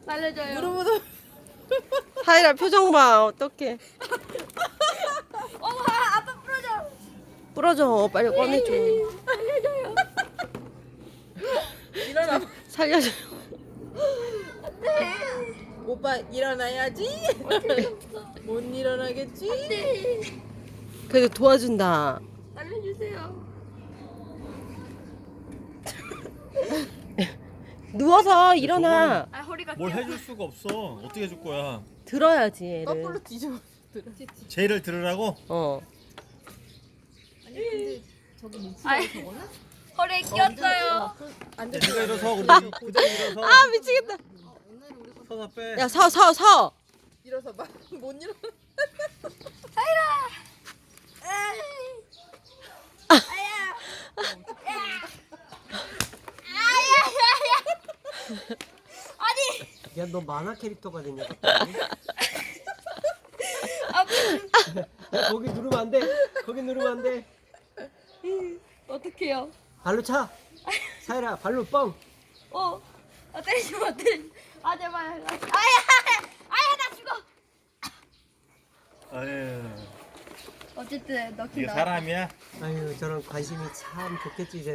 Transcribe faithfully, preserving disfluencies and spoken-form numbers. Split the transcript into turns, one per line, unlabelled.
살려줘요.
무릎으로.
사이라 표정 봐. 어떡해.
어머, 아, 아빠 부러져.
부러져. 빨리 꺼내줘.
살려줘요.
일어나.
살려줘.
네.
오빠 일어나야지. 못 일어나겠지?
네.
그래도 도와준다.
살려주세요.
누워서 일어나.
아, 허리가
뭘
떼어.
해줄 수가 없어. 어떻게 해줄 거야?
들어야지 얘를.
거꾸로 뒤집어.
제의를 들으라고?
어.
아이, 허리에 끼었어요.
앉아.
네가 일어서 그래. 그대로 일어서.
아 미치겠다.
서서 빼.
야 서 서 서.
일어서 봐. 못 일어나.
아니,
야 너 만화 캐릭터가 됐냐?
아빠,
거기 누르면 안 돼. 거기 누르면 안 돼.
어떡해요?
발로 차. 사이라 발로 뻥.
어, 아, 때리지 마, 때리지 마. 아, 제발. 아야, 아야, 나 죽어.
아유,
어쨌든, 넣긴
이게
넣었다.
사람이야?
아유 저런 관심이 참 좋겠지.